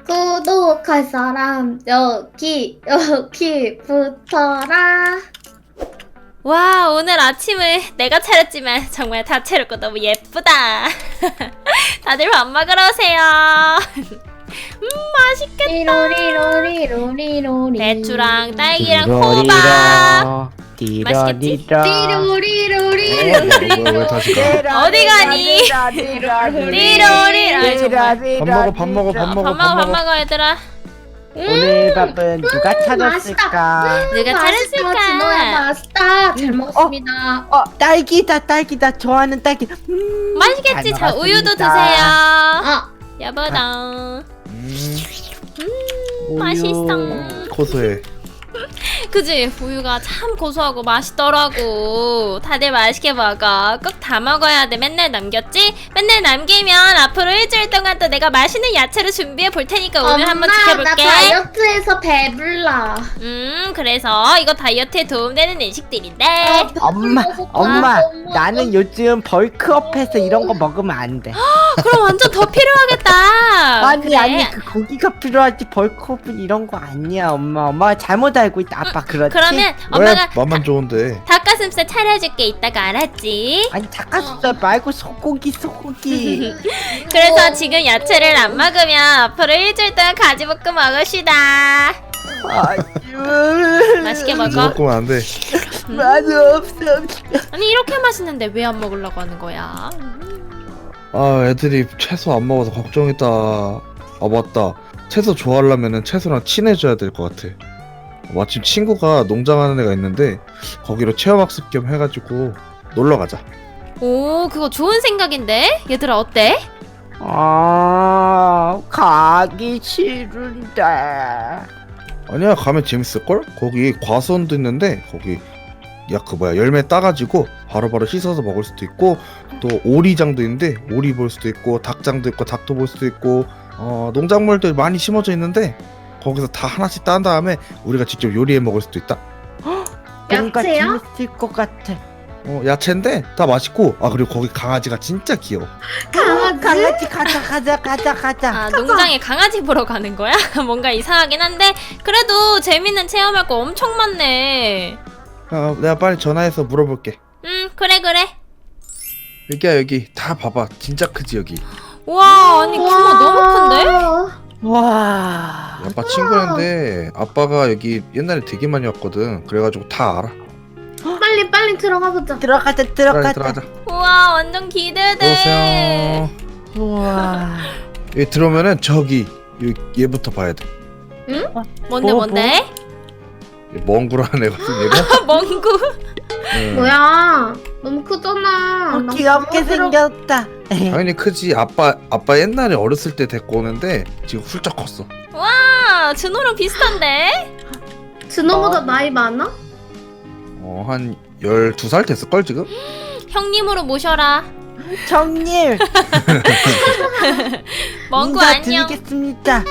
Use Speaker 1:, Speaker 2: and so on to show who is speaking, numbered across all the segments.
Speaker 1: 구독할 사람 여기 붙어라.
Speaker 2: 와, 오늘 아침을 내가 차렸지만 정말 다채롭고 너무 예쁘다. 다들 밥 먹으러 오세요. 맛있겠다.
Speaker 1: 리로리로리로리로리.
Speaker 2: 배추랑 딸기랑 호박. 맛있겠지?
Speaker 1: 리로리로리로리.
Speaker 3: 왜 다시 가?
Speaker 2: 어디 가니? 리로리. 아이, 정말.
Speaker 3: 밥 먹어
Speaker 2: 밥 먹어 얘들아.
Speaker 4: 오늘 밥은 누가 차렸을까?
Speaker 2: 누가 차렸을까?
Speaker 1: 진호야 맛있다. 잘 먹었습니다.
Speaker 4: 딸기다. 좋아하는 딸기.
Speaker 2: 맛있겠지?
Speaker 4: 잘
Speaker 2: 자, 우유도
Speaker 4: 먹었습니다.
Speaker 2: 드세요.
Speaker 1: 아,
Speaker 2: 여보당.
Speaker 4: 우유.
Speaker 2: 맛있어.
Speaker 3: 고소해.
Speaker 2: 그지? 우유가 참 고소하고 맛있더라고. 다들 맛있게 먹어. 꼭 다 먹어야 돼. 맨날 남겼지? 맨날 남기면 앞으로 일주일 동안 또 내가 맛있는 야채로 준비해 볼 테니까 오늘 한번
Speaker 1: 나
Speaker 2: 지켜볼게.
Speaker 1: 다이어트해서 배불러.
Speaker 2: 그래서 이거 다이어트에 도움되는 음식들인데.
Speaker 4: 엄마, 나는 요즘 벌크업해서 이런 거 먹으면 안 돼.
Speaker 2: 그럼 완전 더 필요하겠다.
Speaker 4: 아니, 그 고기가 필요하지 벌크업은 이런 거 아니야, 엄마. 엄마가 잘못 알고 있다. 아빠 그렇지?
Speaker 2: 그러면
Speaker 3: 왜
Speaker 2: 엄마가
Speaker 3: 맛만 좋은데?
Speaker 2: 닭가슴살 차려줄게. 이따가 알았지?
Speaker 4: 아니 닭가슴살 말고 소고기.
Speaker 2: 그래서 지금 야채를 안 먹으면 앞으로 일주일 동안 가지볶음 먹읍시다. 맛있게 먹어.
Speaker 3: 먹으면 안 돼.
Speaker 4: 맛없어.
Speaker 2: 아니 이렇게 맛있는데 왜 안 먹으려고 하는 거야?
Speaker 3: 아, 애들이 채소 안 먹어서 걱정했다. 아, 맞다. 채소 좋아하려면은 채소랑 친해져야 될 것 같아. 마침 친구가 농장하는 애가 있는데 거기로 체험학습 겸 해가지고 놀러 가자.
Speaker 2: 오, 그거 좋은 생각인데? 얘들아 어때?
Speaker 4: 가기 싫은데.
Speaker 3: 아니야, 가면 재밌을걸? 거기 과수원도 있는데 거기 열매 따가지고 바로바로 씻어서 먹을 수도 있고, 또 오리장도 있는데 오리 볼 수도 있고, 닭장도 있고 닭도 볼 수도 있고, 농작물들 많이 심어져 있는데 거기서 다 하나씩 딴 다음에 우리가 직접 요리해 먹을 수도 있다.
Speaker 4: 뭔가
Speaker 1: 야채요?
Speaker 4: 재밌을 것 같아.
Speaker 3: 야채인데 다 맛있고, 그리고 거기 강아지가 진짜 귀여워.
Speaker 4: 강아지 가자.
Speaker 2: 아, 농장에 강아지 보러 가는 거야? 뭔가 이상하긴 한데 그래도 재밌는 체험할 거 엄청 많네.
Speaker 3: 내가 빨리 전화해서 물어볼게.
Speaker 2: 그래.
Speaker 3: 여기야, 여기 다 봐봐. 진짜 크지 여기.
Speaker 2: 와, 아니 규모 너무 큰데?
Speaker 4: 와.
Speaker 3: 아빠 친구인데 아빠가 여기 옛날에 되게 많이 왔거든. 그래가지고 다 알아.
Speaker 1: 빨리 들어가 보자.
Speaker 4: 들어가자.
Speaker 3: 빨리 들어가자.
Speaker 2: 우와, 완전 기대돼.
Speaker 3: 들어오세요.
Speaker 4: 우와.
Speaker 3: 여기 들어오면은 저기 얘부터 봐야 돼.
Speaker 2: 뭔데?
Speaker 3: 멍구라는 애거든 얘가.
Speaker 2: 멍구.
Speaker 3: 응.
Speaker 1: 뭐야? 너무 크잖아. 나
Speaker 4: 귀엽게
Speaker 1: 들어-
Speaker 4: 생겼다.
Speaker 3: 당연히 크지. 아빠 옛날에 어렸을 때 데리고 오는데 지금 훌쩍 컸어.
Speaker 2: 와, 준호랑 비슷한데?
Speaker 1: 준호보다 나이 많아?
Speaker 3: 한 12살 됐을걸 지금?
Speaker 2: 형님으로 모셔라.
Speaker 4: 정님
Speaker 2: 멍구 안녕.
Speaker 4: 인사드리겠습니다.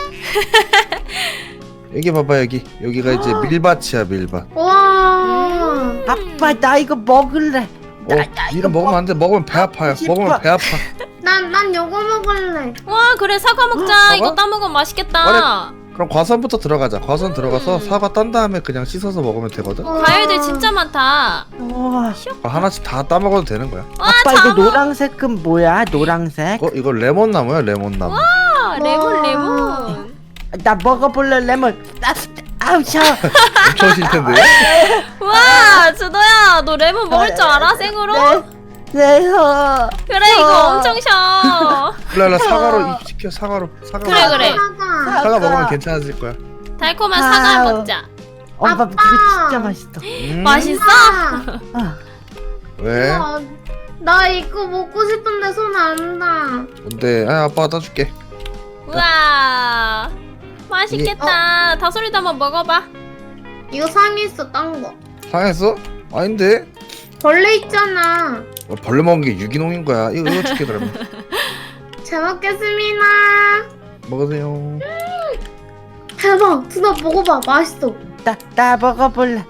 Speaker 3: 여기 봐봐. 여기가 이제 밀밭이야, 밀밭.
Speaker 1: 와.
Speaker 4: 아빠 나 이거 먹을래.
Speaker 3: 이거 먹으면 안 돼. 먹으면 배 아파요.
Speaker 4: 싶어.
Speaker 3: 먹으면 배 아파.
Speaker 1: 난 요거 먹을래.
Speaker 2: 와, 그래 사과 먹자.
Speaker 3: 사과?
Speaker 2: 이거 따먹으면 맛있겠다.
Speaker 3: 그럼 과수원부터 들어가자. 과수원 들어가서 사과 딴 다음에 그냥 씻어서 먹으면 되거든.
Speaker 2: 과일들 진짜 많다.
Speaker 4: 우와.
Speaker 3: 하나씩 다 따먹어도 되는 거야.
Speaker 2: 와,
Speaker 4: 아빠 이거
Speaker 2: 장어.
Speaker 4: 노란색은 뭐야? 노란색?
Speaker 3: 이거 레몬나무야, 레몬나무.
Speaker 2: 아, 레몬
Speaker 1: 와.
Speaker 2: 레몬.
Speaker 4: 나 먹어볼래 레몬. 아우 샤워.
Speaker 3: 엄청 싫텐데.
Speaker 2: 와, 준호야, 너 레몬 먹을 줄 알아? 생으로?
Speaker 4: 네.
Speaker 2: 그래, 이거 엄청 셔.
Speaker 3: 일로 사과로 입 시켜. 사과로.
Speaker 2: 그래.
Speaker 3: 사과 먹으면 괜찮아질 거야.
Speaker 2: 달콤한
Speaker 4: 아우.
Speaker 2: 사과 먹자.
Speaker 4: 엄마
Speaker 1: 아빠.
Speaker 4: 그거 진짜 맛있어.
Speaker 2: 맛있어?
Speaker 4: 아,
Speaker 3: 왜?
Speaker 1: 나 이거 먹고 싶은데 손 안 닿아.
Speaker 3: 뭔데? 아빠가 따줄게.
Speaker 2: 우와, 맛있겠다. 다솔이도 한번 먹어봐.
Speaker 1: 이거 상했어, 딴 거.
Speaker 3: 상했어? 아닌데?
Speaker 1: 벌레 있잖아.
Speaker 3: 벌레 먹은 게 유기농인 거야. 이거 줄게 그러면.
Speaker 1: 잘 먹겠습니다.
Speaker 3: 먹으세요.
Speaker 1: 대박. 준호 먹어봐. 맛있어.
Speaker 4: 나 먹어볼래.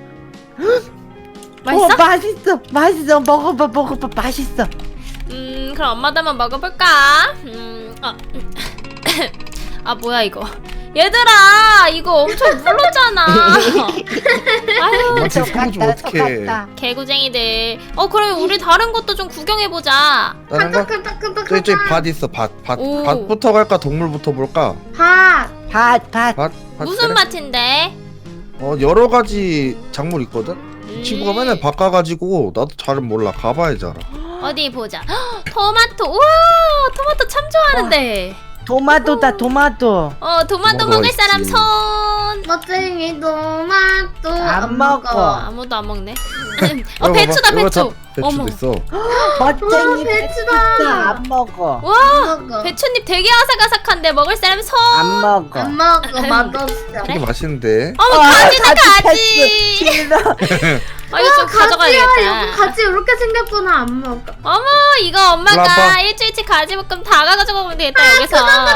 Speaker 2: 맛있어?
Speaker 4: 맛있어. 먹어봐. 맛있어.
Speaker 2: 그럼 엄마도 한번 먹어볼까? 아 뭐야 이거. 얘들아 이거 엄청 물렀잖아. 아유
Speaker 3: 엄마한테 속아주면 어떡해.
Speaker 2: 개구쟁이들. 그럼 우리 다른 것도 좀 구경해보자.
Speaker 3: 다른 거?
Speaker 1: 끈적끈적끈적하다.
Speaker 3: 저기 밭 있어 밭.
Speaker 2: 오.
Speaker 3: 밭부터 갈까 동물부터 볼까?
Speaker 1: 밭.
Speaker 4: 밭
Speaker 3: 밭
Speaker 2: 무슨
Speaker 3: 그래?
Speaker 2: 밭인데?
Speaker 3: 여러 가지 작물 있거든? 이 친구가
Speaker 2: 음.
Speaker 3: 맨날 밭 가가지고 나도 잘은 몰라 가봐야지 알아.
Speaker 2: 어디 보자. 헉, 토마토. 우와 토마토 참 좋아하는데.
Speaker 4: 토마토다 토마토.
Speaker 2: 토마토
Speaker 3: 토마토
Speaker 2: 먹을
Speaker 3: 있지.
Speaker 2: 사람 손.
Speaker 1: 멋쟁이 토마토
Speaker 4: 안 먹어.
Speaker 2: 아무도 안 먹네.
Speaker 3: 이거
Speaker 2: 배추다
Speaker 3: 봐봐, 이거 다
Speaker 2: 배추.
Speaker 3: 배추도
Speaker 2: 어머.
Speaker 3: 있어.
Speaker 4: 멋쟁이
Speaker 1: 배추다.
Speaker 4: 안 먹어.
Speaker 2: 와
Speaker 1: 먹어.
Speaker 2: 배추잎 되게 아삭아삭한데 먹을 사람 손.
Speaker 4: 안 먹어.
Speaker 1: 안 먹어. 맛없어.
Speaker 3: 되게 맛있는데.
Speaker 2: 어머 가지다 가지.
Speaker 4: 싫어.
Speaker 2: 이거 좀 가져가야겠다.
Speaker 1: 여보 가지 이렇게 생겼구나. 안 먹어.
Speaker 2: 어머 이거 엄마가
Speaker 3: 올라와봐.
Speaker 2: 일주일치 가지볶음 다 가져가 보면 되겠다 여기서.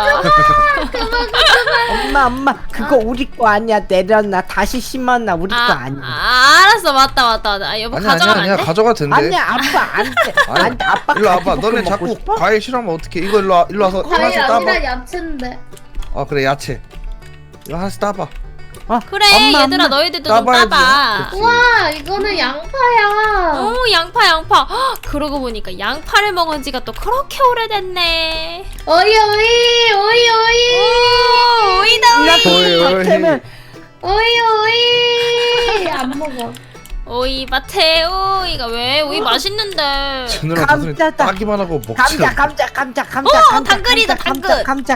Speaker 4: 엄마 그거 우리 거 아니야. 내려놔. 다시 심어놔. 우리 거 아니야.
Speaker 2: 알았어 맞다. 여보
Speaker 3: 아니야
Speaker 2: 가져가면
Speaker 3: 아니야
Speaker 2: 안 돼?
Speaker 3: 가져가 된대.
Speaker 4: 아니야 아빠 안돼. 안돼 아빠.
Speaker 3: 일로 와봐.
Speaker 4: 가지볶음
Speaker 3: 너네
Speaker 4: 먹고
Speaker 3: 자꾸
Speaker 4: 싶어?
Speaker 3: 과일 싫어하면 어떡해. 이거 일로 와서
Speaker 1: 과일
Speaker 3: 하나씩 따봐.
Speaker 1: 아니라 야채인데.
Speaker 3: 그래 야채. 이거 하나씩 따봐.
Speaker 2: 그래
Speaker 4: 엄마,
Speaker 2: 얘들아
Speaker 4: 엄마.
Speaker 2: 너희들도 좀
Speaker 3: 따봐야지.
Speaker 2: 따봐.
Speaker 3: 그치.
Speaker 1: 우와 이거는 양파야.
Speaker 2: 양파. 헉, 그러고 보니까 양파를 먹은 지가 또 그렇게 오래됐네.
Speaker 1: 오이.
Speaker 2: 오이다
Speaker 3: 오이, 오이.
Speaker 4: 밭에는
Speaker 1: 오이. 안 먹어.
Speaker 2: 오이 밭에 오이가 왜 오이 맛있는데.
Speaker 3: 주느라 무슨
Speaker 4: 감자다.
Speaker 3: 따기만 하고 먹지.
Speaker 4: 감자.
Speaker 2: 당근이다, 당근.
Speaker 4: 감자.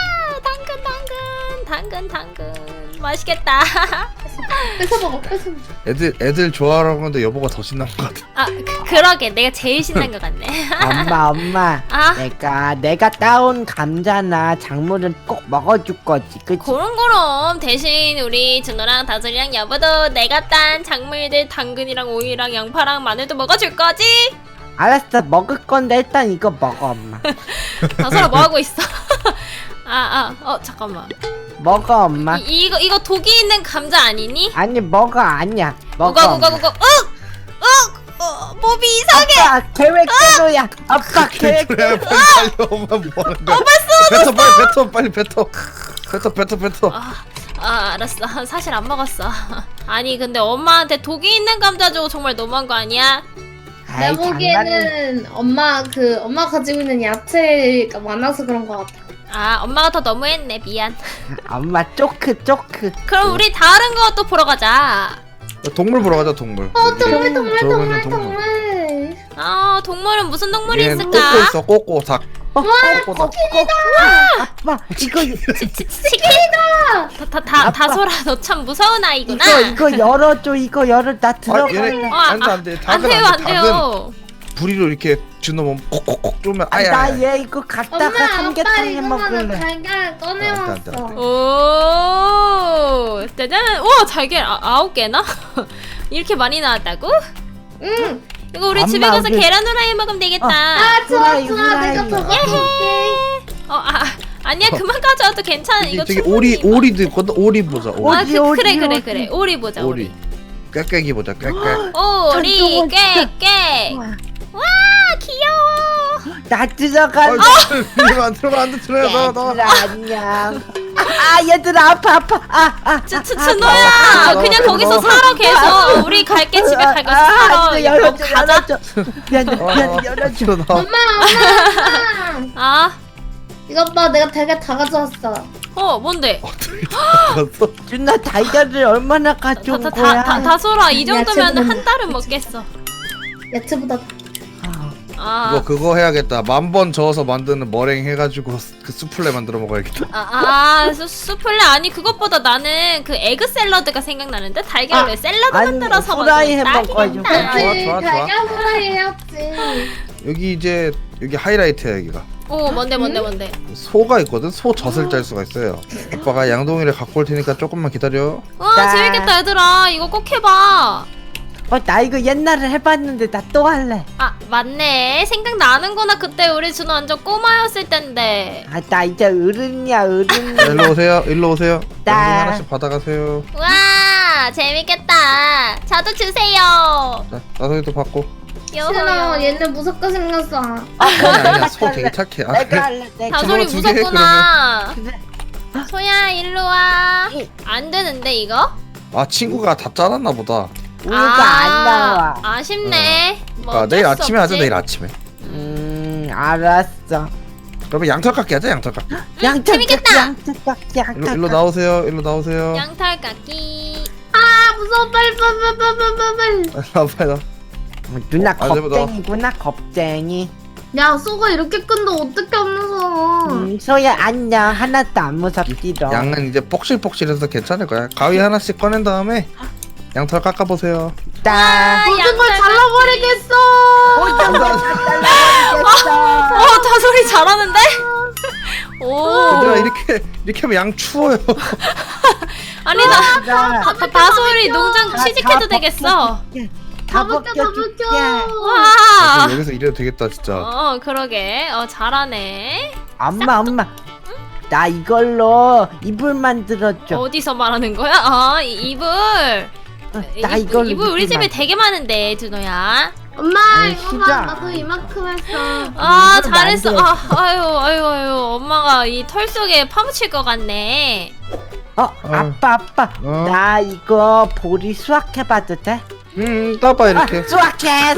Speaker 2: 당근 맛있겠다.
Speaker 1: 뺏어 먹어.
Speaker 3: 애들 좋아하는 건데 여보가 더 신난 것 같아.
Speaker 2: 그러게 내가 제일 신난 것 같네.
Speaker 4: 엄마.
Speaker 2: 아.
Speaker 4: 내가 따온 감자나 작물은 꼭 먹어줄 거지. 그치?
Speaker 2: 그럼 대신 우리 준호랑 다솔이랑 여보도 내가 딴 작물들 당근이랑 오이랑 양파랑 마늘도 먹어줄 거지?
Speaker 4: 알았어. 먹을 건데 일단 이거 먹어 엄마.
Speaker 2: 다솔아 뭐 하고 있어? 잠깐만.
Speaker 4: 먹어 엄마.
Speaker 2: 이거 독이 있는 감자 아니니?
Speaker 4: 아니 먹어 아니야. 먹어.
Speaker 2: 우가
Speaker 4: 엄마.
Speaker 2: 몸이 이상해.
Speaker 4: 아빠 계획대로야. 아빠 계획.
Speaker 3: 그래 빨리 달려. 엄마 뭐 하는 거야. 뱉어 빨리 뱉어. 뱉어.
Speaker 2: 알았어. 사실 안 먹었어. 아니 근데 엄마한테 독이 있는 감자 주고 정말 너무한 거 아니야?
Speaker 1: 내
Speaker 4: 아이,
Speaker 1: 보기에는 엄마 가지고 있는 야채가 많아서 그런 것 같아.
Speaker 2: 엄마가 더 너무했네. 미안.
Speaker 4: 엄마 쪼크.
Speaker 2: 그럼 우리 다른 거 또 보러 가자.
Speaker 3: 동물 보러 가자 동물.
Speaker 1: 동물.
Speaker 2: 동물은 무슨 동물이
Speaker 3: 얘는
Speaker 2: 있을까?
Speaker 3: 꼬꼬 있어 꼬꼬 닭. 꼬꼬 닭.
Speaker 4: 아빠 이거
Speaker 2: 다솔아 너 참 무서운 아이구나.
Speaker 4: 이거 열어줘. 이거 열어. 나 들어갈래.
Speaker 3: 안돼
Speaker 2: 안 돼요 안 돼요.
Speaker 3: 부리로 이렇게 주놓으면 콕콕콕 쏘면 아야.
Speaker 4: 나 얘 이거 갖다가
Speaker 1: 엄마
Speaker 4: 삼계탕 해
Speaker 1: 이거만은
Speaker 4: 먹을래.
Speaker 1: 달걀 꺼내왔어.
Speaker 3: 안 돼.
Speaker 2: 오 짜잔. 우와 잘게 9개나? 이렇게 많이 나왔다고?
Speaker 1: 응.
Speaker 2: 이거 우리
Speaker 4: 엄마,
Speaker 2: 집에 가서
Speaker 4: 우리-
Speaker 2: 계란 후라이 먹으면 되겠다.
Speaker 1: 좋아.
Speaker 4: 후라이.
Speaker 1: 내가 저거 줄게.
Speaker 2: 아니야 그만 가져와도 괜찮아. 이거
Speaker 3: 저기
Speaker 2: 충분히.
Speaker 3: 오리도 있거든. 오리 보자. 오리.
Speaker 2: 그래. 오리 보자.
Speaker 3: 오리. 꾀꾀기 보자. 꾀꾀.
Speaker 2: 오리
Speaker 4: 잠깐만,
Speaker 2: 꾀꾀. 와 귀여워.
Speaker 4: 나 들어갈래.
Speaker 3: 안 들어가 안 돼. 들어가 너.
Speaker 4: 얘들아 안녕. 얘들아 아파.
Speaker 2: 준호야 그냥 거기서 살아 계속. 우리 갈게 집에 갈 거서 살아.
Speaker 4: 이거 열어줘.
Speaker 2: 가자.
Speaker 4: 미안해 열어줘.
Speaker 1: 엄마. 이것 봐, 내가 달걀 다 가져왔어.
Speaker 2: 뭔데?
Speaker 3: 갔어.
Speaker 4: 준아 달걀을 얼마나 가져온 거야?
Speaker 2: 다솔아 이 정도면
Speaker 1: 야채보다
Speaker 2: 한 달은 먹겠어.
Speaker 1: 야채보다
Speaker 3: 그거 해야겠다. 10,000번 저어서 만드는 머랭 해가지고 그 수플레 만들어 먹어야겠다.
Speaker 2: 수플레 아니 그것보다 나는 그 에그 샐러드가 생각나는데 달걀 왜 샐러드
Speaker 4: 아니,
Speaker 2: 만들어서
Speaker 4: 후라이 해
Speaker 2: 먹으면
Speaker 4: 먹어야지.
Speaker 2: 딱이겠다.
Speaker 3: 좋아.
Speaker 1: 달걀 후라이 해야지.
Speaker 3: 여기 하이라이트야 여기가.
Speaker 2: 뭔데?
Speaker 3: 소가 있거든. 소 젖을 짤 수가 있어요. 아빠가 양동이를 갖고 올 테니까 조금만 기다려.
Speaker 2: 와 재밌겠다 얘들아. 이거 꼭 해봐.
Speaker 4: 나 이거 옛날에 해봤는데 나 또 할래.
Speaker 2: 맞네. 생각나는구나. 그때 우리 준호 완전 꼬마였을 텐데.
Speaker 4: 나 이제 어른이야.
Speaker 3: 자, 일로 오세요. 양동이
Speaker 4: 나.
Speaker 3: 하나씩 받아가세요.
Speaker 2: 와 재밌겠다. 저도 주세요.
Speaker 3: 자, 나성이도 받고.
Speaker 1: 싫어, 얘네 무섭게 생겼어.
Speaker 3: 아니야 소 되게 착해.
Speaker 4: 내가 할래. 내가.
Speaker 2: 다솔이
Speaker 3: 저거 2개 해,
Speaker 2: 무섭구나.
Speaker 4: 그래.
Speaker 2: 소야 일로 와. 안 되는데 이거?
Speaker 3: 아 친구가 다 짜놨나 보다.
Speaker 4: 우유가 안 나와.
Speaker 2: 아쉽네. 뭐
Speaker 3: 아,
Speaker 2: 어쩔
Speaker 3: 내일
Speaker 2: 수
Speaker 3: 아침에 하자.
Speaker 2: 없지.
Speaker 3: 내일 아침에.
Speaker 4: 알았어.
Speaker 3: 그러면 양털깎기 하자. 양털깎기.
Speaker 2: 재밌겠다.
Speaker 3: 일로 나오세요. 일로 나오세요.
Speaker 2: 양털깎기.
Speaker 1: 아 무서워 빨리.
Speaker 3: 나와요.
Speaker 4: 누나
Speaker 3: 아, 내가
Speaker 4: 겁쟁이구나 겁쟁이.
Speaker 1: 야 쏘가 이렇게 큰데 어떻게 안 무서워?
Speaker 4: 소야 안녕. 하나도 안 무섭지롱.
Speaker 3: 양은 이제 폭실폭실해서 괜찮을 거야. 가위 하나씩 꺼낸 다음에 양털 깎아보세요.
Speaker 4: 딱.
Speaker 1: 모든 걸 잘라버리겠어.
Speaker 2: 다솔이 잘하는데? 오.
Speaker 3: 얘들아 이렇게 하면 양 추워요.
Speaker 2: 아니 다솔이 농장 취직해도 되겠어.
Speaker 4: 다
Speaker 1: 벗겨, 다
Speaker 4: 벗겨줄게.
Speaker 1: 벗겨.
Speaker 2: 와.
Speaker 3: 여기서 이래도 되겠다 진짜.
Speaker 2: 그러게. 잘하네.
Speaker 4: 엄마 나 이걸로 이불 만들어줘.
Speaker 2: 어디서 말하는 거야? 이불.
Speaker 4: 나 이걸로
Speaker 2: 이불 우리 집에
Speaker 4: 만들어.
Speaker 2: 되게 많은데 준호야.
Speaker 1: 엄마
Speaker 4: 아이,
Speaker 1: 이거
Speaker 4: 진짜.
Speaker 1: 봐 나도 이만큼 했어.
Speaker 2: 아 잘했어. 아유 엄마가 이 털 속에 파묻힐 것 같네.
Speaker 4: 아빠 나 이거 보리 수확해봐도 돼?
Speaker 3: 따봐 이렇게.
Speaker 4: 수확해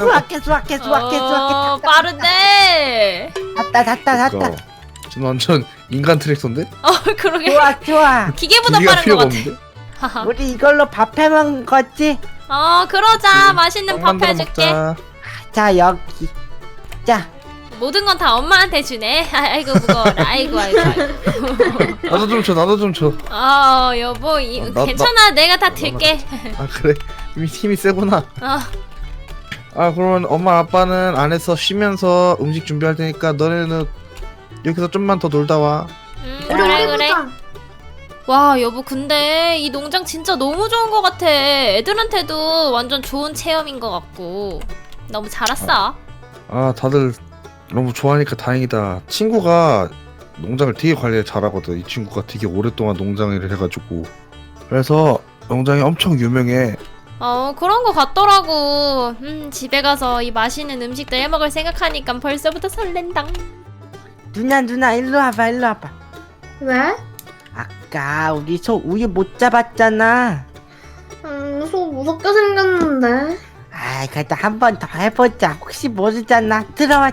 Speaker 2: 빠른데.
Speaker 4: 됐다
Speaker 3: 지금 완전 인간 트랙터인데?
Speaker 2: 그러게.
Speaker 4: 좋아
Speaker 2: 기계보다
Speaker 3: 기계가
Speaker 2: 빠른 것
Speaker 3: 필요가
Speaker 2: 같아.
Speaker 3: 없는데?
Speaker 4: 우리 이걸로 밥 해먹은 거지?
Speaker 2: 그러자. 맛있는 밥
Speaker 3: 만들어
Speaker 2: 해줄게.
Speaker 3: 먹자.
Speaker 4: 자 여기 자
Speaker 2: 모든 건 다 엄마한테 주네. 아이고 무거워라. 아이고.
Speaker 3: 나도 좀 줘.
Speaker 2: 여보
Speaker 3: 나-
Speaker 2: 괜찮아. 내가 다 들게.
Speaker 3: 아 그래? 힘이 세구나. 아 그러면 엄마 아빠는 안에서 쉬면서 음식 준비할 테니까 너네는 여기서 좀만 더 놀다 와.
Speaker 2: 그래. 와 여보 근데 이 농장 진짜 너무 좋은 것 같아. 애들한테도 완전 좋은 체험인 것 같고 너무 잘 왔어.
Speaker 3: 아 다들 너무 좋아하니까 다행이다. 친구가 농장을 되게 관리를 잘하거든. 이 친구가 되게 오랫동안 농장 일을 해가지고. 그래서 농장이 엄청 유명해.
Speaker 2: 그런 거 같더라고. 집에 가서 이 맛있는 음식들 해먹을 생각하니까 벌써부터 설렌다.
Speaker 4: 누나 일로 와봐
Speaker 1: 왜?
Speaker 4: 아까 우리 소 우유 못 잡았잖아.
Speaker 1: 소 무섭게 생겼는데.
Speaker 4: 아 그래도 한 번 더 해보자. 혹시 모르잖아. 들어와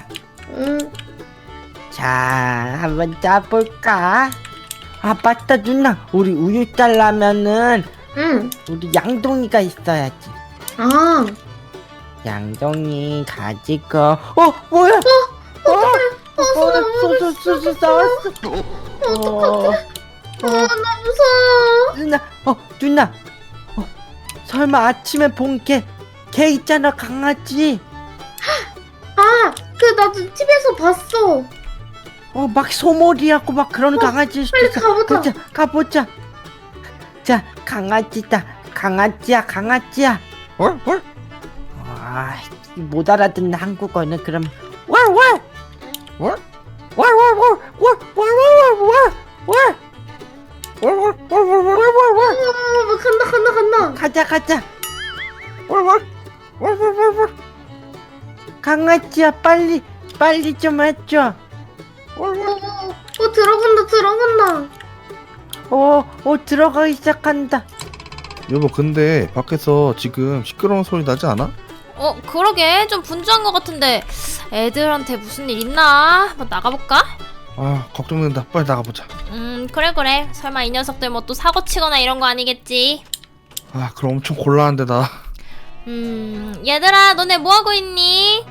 Speaker 4: 자 한번 짜볼까? 아 맞다 누나 우리 우유 짜려면은
Speaker 1: 응.
Speaker 4: 우리 양동이가 있어야지.
Speaker 1: 아.
Speaker 4: 양동이 가지고 뭐야 소소 싸웠어.
Speaker 1: 나 무서워.
Speaker 4: 누나 설마 아침에 본 개 있잖아 강아지.
Speaker 1: 나도 TV에서 봤어.
Speaker 4: 막 소몰이하고 막 그런 강아지
Speaker 1: 빨리 가보자.
Speaker 4: 가보자. 자 강아지다. 강아지야
Speaker 3: 뭘?
Speaker 4: 못 알아듣는 한국어는 그럼 간다 가자. 강아지야 빨리 좀 해줘.
Speaker 1: 들어간다.
Speaker 4: 들어가기 시작한다.
Speaker 3: 여보 근데 밖에서 지금 시끄러운 소리 나지 않아?
Speaker 2: 그러게 좀 분주한 것 같은데 애들한테 무슨 일 있나? 한번 나가볼까?
Speaker 3: 아 걱정된다. 빨리 나가보자.
Speaker 2: 그래. 설마 이 녀석들 뭐 또 사고 치거나 이런 거 아니겠지?
Speaker 3: 아 그럼 엄청 곤란한데 나.
Speaker 2: 얘들아 너네 뭐하고 있니?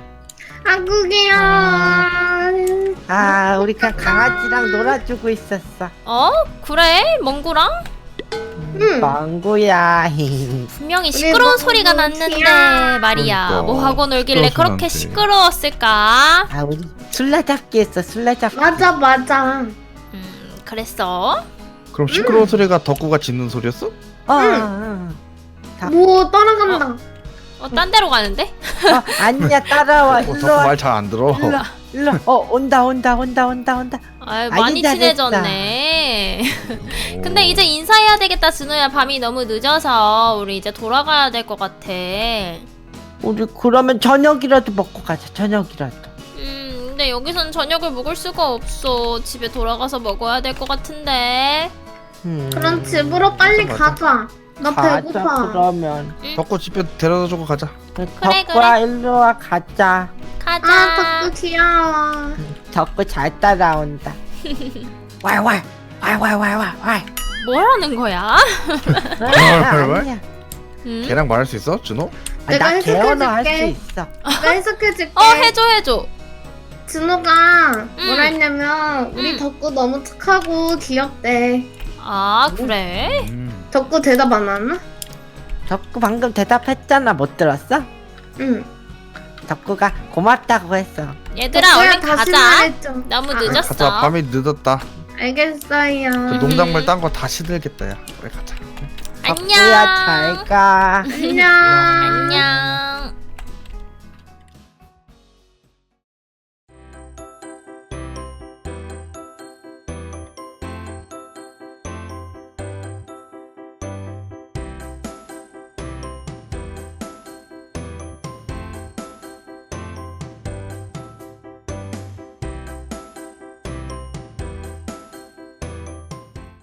Speaker 1: 아구기야.
Speaker 4: 우리 강아지랑 놀아주고 있었어.
Speaker 2: 그래? 멍구랑?
Speaker 1: 응.
Speaker 4: 망구야.
Speaker 2: 분명히 시끄러운 소리가 났는데 말이야.
Speaker 3: 그러니까.
Speaker 2: 뭐 하고 놀길래
Speaker 3: 시끄러워서
Speaker 2: 그렇게
Speaker 3: 난데.
Speaker 2: 시끄러웠을까?
Speaker 4: 우리 술래잡기 했어. 술래잡기.
Speaker 1: 맞아.
Speaker 2: 그랬어?
Speaker 3: 그럼 시끄러운 소리가 덕구가 짖는 소리였어?
Speaker 1: 뭐 따라간다.
Speaker 2: 딴 데로 가는데?
Speaker 4: 아니야 따라와.
Speaker 3: 덕구
Speaker 4: 일로 와.
Speaker 3: 말 잘 안 들어.
Speaker 4: 일로. 온다.
Speaker 2: 많이
Speaker 4: 잘했다.
Speaker 2: 친해졌네. 근데 이제 인사해야 되겠다, 준호야. 밤이 너무 늦어서 우리 이제 돌아가야 될 것 같아.
Speaker 4: 우리 그러면 저녁이라도 먹고 가자. 저녁이라도.
Speaker 2: 근데 여기선 저녁을 먹을 수가 없어. 집에 돌아가서 먹어야 될 것 같은데.
Speaker 1: 그럼 집으로 빨리
Speaker 3: 맞아.
Speaker 1: 가자. 나
Speaker 4: 가자
Speaker 1: 배고파.
Speaker 4: 그러면.
Speaker 3: 덕구 집에 데려다주고 가자.
Speaker 4: 덕구야 일로 와 가자.
Speaker 2: 가자.
Speaker 1: 아, 덕구 귀여워.
Speaker 4: 덕구 잘 따라온다. 왈왈 왈.
Speaker 2: 뭐라는 거야?
Speaker 4: 아니야.
Speaker 2: 응?
Speaker 3: 걔랑 말할 수 있어, 준호?
Speaker 1: 내가
Speaker 4: 나 개언어 할 수
Speaker 1: 해석해줄게.
Speaker 4: 있어.
Speaker 1: 내가 해석해줄게.
Speaker 2: 해줘.
Speaker 1: 준호가 뭐라 했냐면 우리 덕구 너무 착하고 귀엽대.
Speaker 2: 아, 그래?
Speaker 1: 덕구 대답 안 하나?
Speaker 4: 덕구 방금 대답했잖아. 못 들었어?
Speaker 1: 응.
Speaker 4: 덕구가 고맙다고 했어.
Speaker 2: 얘들아,
Speaker 1: 덕구야,
Speaker 2: 얼른
Speaker 1: 다시
Speaker 2: 가자.
Speaker 1: 말해줘.
Speaker 2: 너무
Speaker 1: 아,
Speaker 2: 늦었어.
Speaker 3: 가자. 밤이 늦었다.
Speaker 1: 알겠어요.
Speaker 3: 그 농작물 딴 거 다 시들겠다, 야. 그래, 가자.
Speaker 2: 안녕.
Speaker 4: 덕구야 잘 가.
Speaker 1: 안녕.
Speaker 2: 안녕.